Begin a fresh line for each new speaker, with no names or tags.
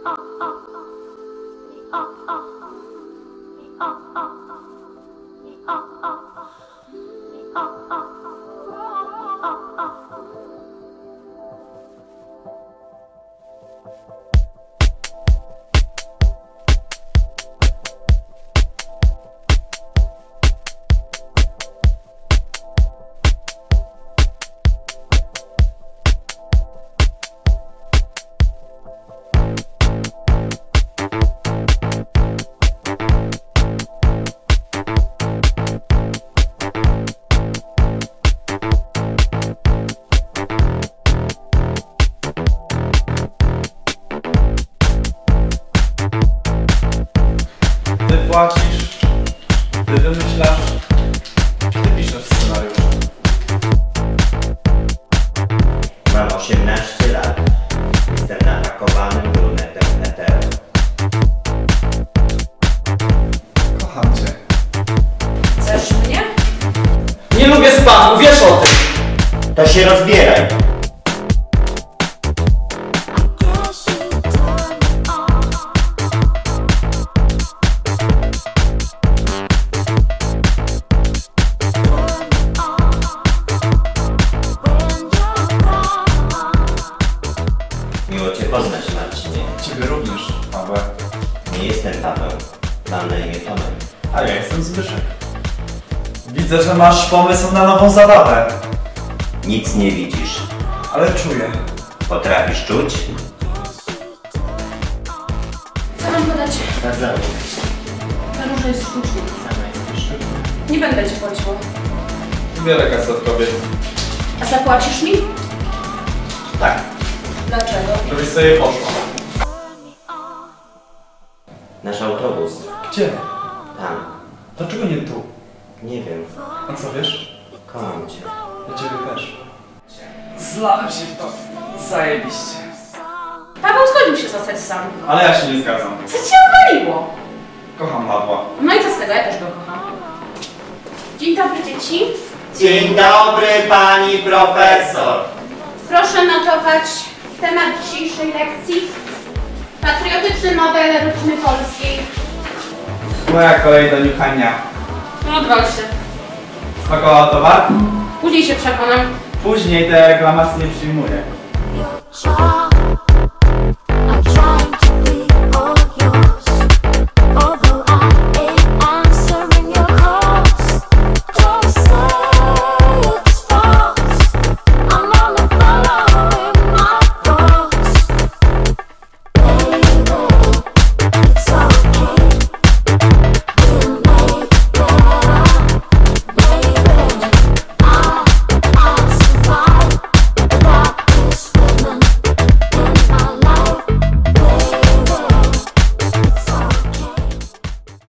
Ty płacisz, ty wymyślasz, ty piszesz scenariusz.
Mam 18 lat. Jestem napakowanym brunetem hetero.
Kocham cię.
Chcesz mnie?
Nie lubię spamu, wiesz o tym!
To się rozbieraj. Miło Cię poznać, Marcinie.
Ciebie również, Paweł.
Nie jestem Paweł. Mam na imię Tomek.
A ja jestem Zbyszek. Widzę, że masz pomysł na nową zabawę.
Nic nie widzisz.
Ale czuję.
Potrafisz czuć?
Co mam podać?
Bardzo.
Ta róża jest sztuczna. Nie będę ci płaciła.
Wiele kasy od kobiet.
A zapłacisz mi?
Tak.
Dlaczego?
Żebyś sobie poszła.
Nasz autobus.
Gdzie?
Tam.
Dlaczego nie tu?
Nie wiem.
A co wiesz?
Kocham Cię.
Ja ciebie też.
Zlałem się w to. Zajebiście.
Paweł zgodził się zostać sam.
Ale ja się nie zgadzam.
Co cię uwaliło?
Kocham Pawła.
No i co z tego? Ja też go kocham. Dzień dobry, dzieci.
Dzień dobry, pani profesor.
Proszę notować temat dzisiejszej lekcji. Patriotyczny model rodziny polskiej.
Moja kolej do niuchania.
No odwal się.
Smakowała towar?
Później się przekonam.
Później te reklamacje nie przyjmuję.
Your